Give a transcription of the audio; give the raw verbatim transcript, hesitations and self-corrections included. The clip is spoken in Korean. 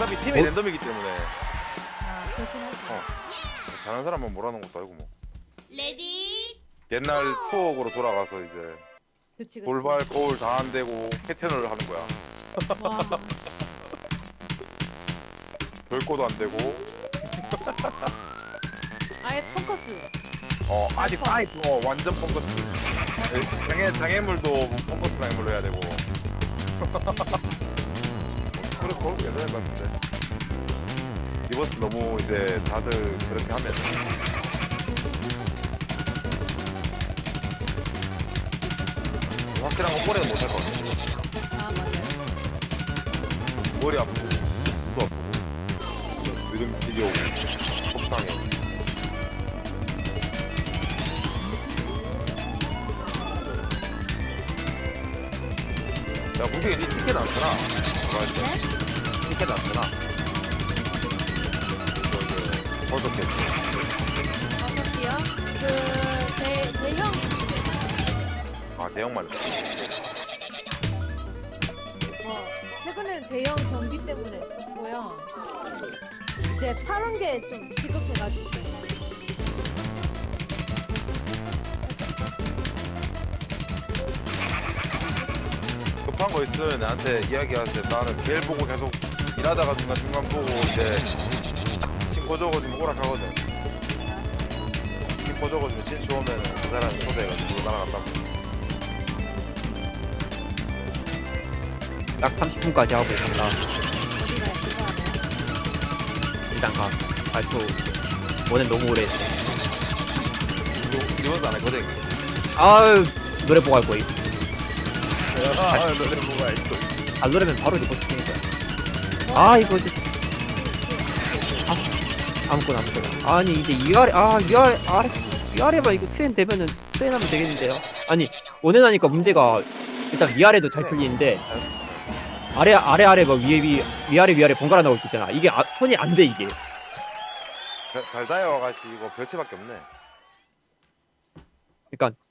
어차피 팀이 어? 랜덤이기 때문에 아 그렇긴 하지. 어. 잘하는 사람만 몰아놓은 것도 아니고 뭐. 레디 옛날 추억으로 돌아가서 이제 그치 그치. 돌발 거울 다 안 되고 패턴을 하는 거야. 와. 별거도 안 되고. 아예 펑커스. 어 아직 아이 어 완전 펑커스. 장애 장애물도 펑커스 장애물로 해야 되고. 그래 그거 괜찮을 것 같은데. 리버스 너무 이제 다들 그렇게 하면. 확실한 건 오래는 못할 것 같아. 아 맞아요. 머리 아프고 눈도 아프고 느낌 지겨우고 속상해. 야 무게 니 티켓 안 쓰나? 네? 티켓 안 쓰나? 어떻게? 어떻게요? 그대 대형 아 대형만. 어 최근에는 대형 전기 때문에 썼고요. 이제 파란 게 좀 시급해가지고. 급한 거 있으면 나한테 이야기하세요. 나는 길 보고 계속 일하다가 중간 중간 보고 이제 친구 적어주면 오락하거든. 친구 적어주면 친추 오면은 그 사람이 초대해가지고 날아간다고. 딱 삼십 분까지 하고 간다. 어디가 그거 하나요? 일단 가. 아, 또, 원은 너무 오래 했어. 리버스 안 했거든. 아유, 노래 보고 할 거임. 아 너네 뭐가 있어. 아, 노래면 바로 리포트 치는 거야. 아, 이거, 이제. 아, 아무거나, 아무거나. 아니, 이제 위아래, 아, 위아래, 아래, 위아래만 이거 트렌 되면은 트렌하면 되겠는데요. 아니, 원은 하니까 문제가, 일단 위아래도 잘 풀리는데, 아래, 아래, 아래가 위에, 위, 위아래, 위아래 번갈아 나올 수 있잖아. 이게 아, 손이 안 돼, 이게. 달다이와 같이 이거 별채밖에 없네. 그러니까